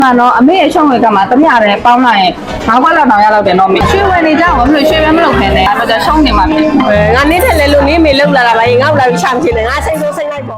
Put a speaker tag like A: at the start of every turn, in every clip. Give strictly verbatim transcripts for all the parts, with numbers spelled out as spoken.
A: မှန်တော့အမေရဲ့ရှုံးဝေကမှာတမရတယ်ပေါင်းလိုက်ရင်ငါးခွက်လောက်တောင်ရတော့တယ်နော်မေရွှေဝယ်နေကြအောင်မလို့ရွှေပဲမလုပ်ခင်းနဲ့အဲ့တော့ရှုံးနေမှာဖြစ်
B: ငါနေထက်လဲလို့နေမေလောက်လာတာပါငါ့လာပြီးရှာမချင်နဲ့ငါစိတ်ဆိုးစိတ်လိုက်ပေါ့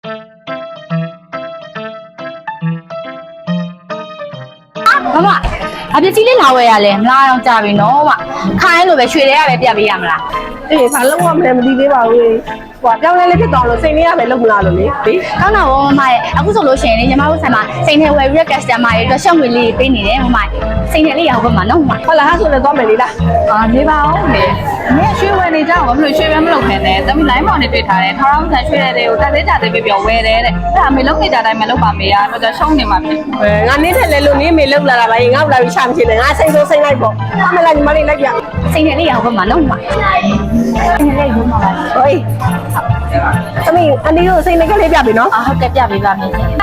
C: မမအပြစ်ကြီးလေးလာဝယ်ရလဲမလားတော့ကြာပြီနော်မခိုင်းလို့ပဲရွှေတွေကပဲပြတ်ပေးရမလား
B: အေးဘာလုံးဝမလဲမသိသေးပါဘူးဟိုပြောင်းလဲလေးဖြစ်သွားလို့စိတ်လေးရပဲလုံးမလားလို့လေဒီ
C: ကောင်းတော့မမရဲ့အခုဆိုလို့ရှိရင်လေညီမတို့ဆိုင်မှာစိန်ထဲဝယ်ပြီးတဲ့ customer တွေအတွက်ရှောက်ငွေလေးပေးနေတယ်မမစိန်ထဲလေးရောက်ပါမှာနော်မ
B: ဟုတ်လားဟာဆိုလည်းသွားမယ်လေလား
A: အာနေပါအောင်မေအမေရွှေဝယ်နေကြအောင်မလို့ရွှေပဲမလုပ်ခင်းနဲ့တမီလိုင်းမောင်နေတွေ့ထားတယ်ထောင်ထောင်ဆန်ရွှေတဲ့တွေကိုတက်သေးကြသေးပြပြောဝယ်တယ်တဲ့အဲ့ဒါမေလုံးနေကြတိုင်းမလုပ်ပါမေရအဲ့တော့ရှုံးနေမှာဖြစ်
B: ငါနေထက်လဲလို့နေမေလောက်လာတာပါငါ့လာပြီးရှာမချင်နဲ့ငါစိတ်ဆိုးစိတ်လိုက်ပေါ့အမလားညီမလေးလိုက်ပြ
C: စိန်ထဲလေးရောက်ပါမှာနော်မစိန်ထဲလေးရောက်ပါမှာ
B: ဟေးသမီးအန်ဒီတို့စိတ်နဲ့ကလေးပြပြီနော်
C: အာဟုတ်ကဲ့ပြပေးပါမယ်ရှင်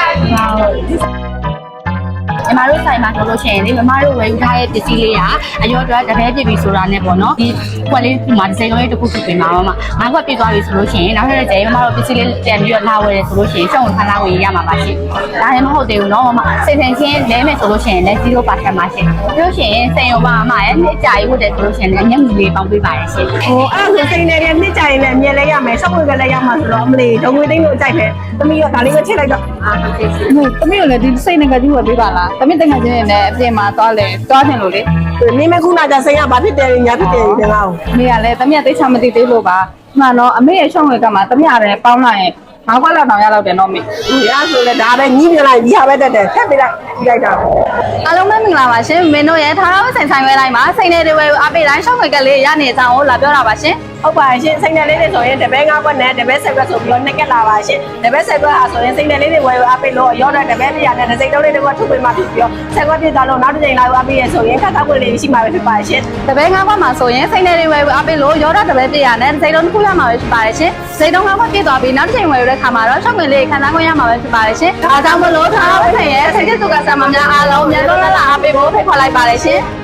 C: ညီမတို့ဆိုင်မှာဆိုလို့ရှိရင်ဒီမမတို့ဝယ်ယူထားတဲ့ပစ္စည်းလေးကအရောအတွက်တပည့်ပြပြီဆိုတာနဲ့ပေါ့နော်ဒီခွက်လေးဒီမှာဒီစိန်လေးတစ်ခုဖြစ်ပြင်ပါမမငါးခွက်ပြသွားပြီဆိုလို့ရှိရင်နောက်ထပ်ကျရင်မမတို့ပစ္စည်းလေးတန်ပြီးတော့လာဝယ်တယ်ဆိုလို့ရှိရင်ရှောင်းခန်းလာဝယ်ရမှာပါရှင်ဒါလည်းမဟုတ်သေးဘူးနော်မမစိတ်ထင်ချင်းလဲမယ်ဆိုလို့ရှိရင်လည်း zero percent ပါရှင်ပြီးလို့ရှိရင်စိန်ရောပါမမရဲ့နှစ်ကြာရေးဟုတ်တယ်ဆိုလို့ရှိရင်လည်းညက်ငွေလေးပေါင်းပေးပါတယ်ရှင်
B: ဟိုအဲ့ဒါဆိုစိတ်နဲ့လည်းနှစ်ကြရင်လည်းအမြဲလဲရမယ်စောက်ဝယ်ကလည်းရမှာဆိုတော့အမလေးဒုံငွေသိန်းကိုကြိုက်တယ်သမီးရောဒါလေးပဲချိန်လိုက်တော့
C: အာဟုတ်ကဲ့ရှင်
A: ဟိုတမီကိုလည်းဒီစိတ်နဲ့ကကြီးဝယ်ပေးပါလားတမီတငယ်ချင်းနဲ့အပြင်မှာသွားလဲသွားတင်လို့လေ
B: နေမခုနကစိတ်ကဘာဖြစ်တယ်ညာဖြစ်တယ်ဒီကောင်
A: မေကလည်းတမီသိချမသိသေးလို့ပါမှန်တော့အမေရဲ့ရှုံးဝေကမှာတမီရတယ်ပေါင်းလိုက်ရင်ငါးခွက်လောက်တောင်ရတော့တယ်နော်မေ
B: ဒီအားဆိုလည်းဒါပဲညီးပြလိုက်ဒီဟာပဲတက်တယ်ထက်ပြလိုက်ဒီလိုက်တာ
C: အားလုံးပဲမင်္ဂလာပါရှင်မင်းတို့ရဲ့ထားထားဆိုင်ဆိုင်ဝဲတိုင်းမှာစိန်နေတွေဝဲအပိတိုင်းရှောက်ခွေကလေးရနေကြအောင်လာပြောတာပါရှင်
B: ဟုတ်ပါရှင်စိတ်နယ်လေးတွေဆိုရင်တပည့်ငါးခွက်နဲ့တပည့်ဆယ်ခွက်ဆိုပြီးတော့နှစ်ကက်လာပါရှင်တပည့်ဆယ်ခွက်ဟာဆိုရင်စိတ်နယ်လေးတွေဝယ်အပိလို့ရောတဲ့တပည့်ပြရတဲ့စိတ်တုံးလေးတွေကထုတ်ပေးမှဖြစ်ပြီးတော့ဆယ်ခွက်ပြသွားလို့နောက်တစ်ချိန်လာအပိရဆိုရင်ခက်ခက်ခွက်လေးရှိမှပဲဖြစ်ပါရှင်
C: တပည့်ငါးခွက်မှာဆိုရင်စိန်နေတွေဝဲအပိလို့ရောတဲ့တပည့်ပြရတဲ့စိတ်လုံးတစ်ခုရမှာပဲဖြစ်ပါတယ်ရှင်စိတ်တုံးငါးခွက်ပြသွားပြီးနောက်တစ်ချိန်ဝယ်ရတဲ့ခါမှာတော့ရှောက်ခွေလေးခံစားခွင့်ရမှာပဲဖြစ်ပါတယ်ရှင်ဒါကြောင့်မလို့ထားထားဝဲရဲ့စိတ်ကျစုကစားမများအားလုံးမြန်တော့လာအပိဖို့ဖိတ်ခေါ်လိုက်ပါတယ်ရှင်